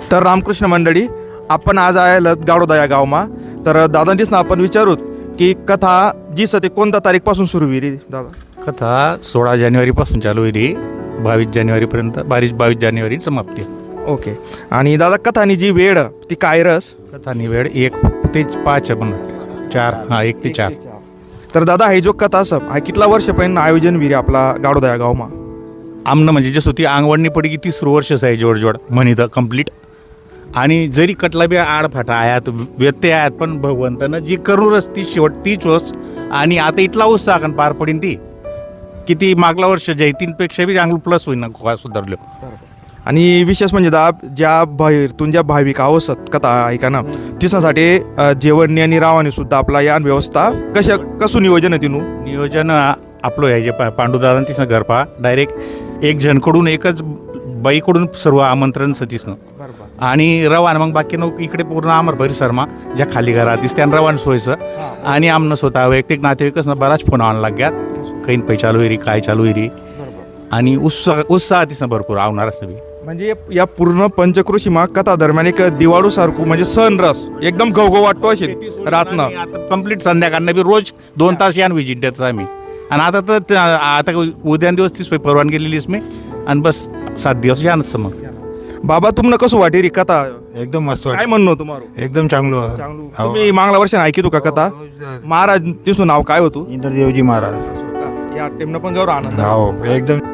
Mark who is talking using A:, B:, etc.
A: तर रामकृष्ण मंडळी, आपण आज आहे गाडोदा या गावमा. तर दादांचीच ना आपण विचारूत की कथा जी सते कोणत्या तारीखपासून सुरू होईल रे दादा?
B: कथा 16 जानेवारीपासून चालू होईल, 22 जानेवारीपर्यंत, 22 जानेवारी समाप्ती.
A: ओके. आणि दादा कथानी जी वेळ ती काय रस?
B: कथानी वेळ 1 ते 5 पण 4, 1 ते 4.
A: तर दादा हे जो कथा असं हा कितला वर्षपर्यंत आयोजन विरे आपला गाडोदा या गावमा?
B: आमनं म्हणजे जसं ती अंगवडणी पडी की 30 वर्षच आहे जोड म्हणित कंप्लीट. आणि जरी कटला बी आडफाटा आयात व्यत्यय आहेत, पण भगवंतानं जी करूनच ती शेवट तीच होस. आणि आता इथला उत्साह कारण पार पडीन ती किती मागला वर्ष जैतींपेक्षा बी चांगलं प्लस होईन ना सुधारलो.
A: आणि विशेष म्हणजे ज्या बाहेरतून ज्या भाविक आवसत कथा ऐका ना तिच्यासाठी जेवणी आणि रावाने सुद्धा आपला यान व्यवस्था कसं नियोजन आहे तिनू?
B: नियोजन आपलं आहे जे पांडुदादा तिसं घर पहा डायरेक्ट एक जणकडून एकच बाईकडून सर्व आमंत्रण सतीसनं आणि रवान मग बाकी इकडे पूर्ण आमर परिसरमा ज्या खाली घरात दिसत्या रवान सोयचं. आणि आमनं स्वतः वैयक्तिक नातेवाईकच ना बराच फोन आण लाग्यात काही पै चालू होईरी काय चालू होईरी. आणि उत्साह तिसं भरपूर आवणार असं बी.
A: म्हणजे या पूर्ण पंचक्रोशीमा कथा दरम्यान एक दिवाळू सारखं म्हणजे सण रस एकदम घवघव वाटतो असेल रातनं.
B: आता कम्प्लीट संध्याकाळनं बी रोज 2 तास यान विजिट द्यायचं आम्ही. आणि आता उद्या दिवस तीच परवानगी गेलेलीच मी आणि बस 7 दिवस यानच मग.
A: बाबा तुम्हाला कसं वाटे री कथा?
C: एकदम मस्त
A: काय म्हणणं तुम्हाला?
C: एकदम चांगलं.
A: तुम्ही मागल्या वर्षाने ऐकितो का कथा? महाराज तिचं नाव काय होतं?
C: इंद्रदेवजी महाराज.
A: या टेमनं पण गौरव आनंद.
C: हो एकदम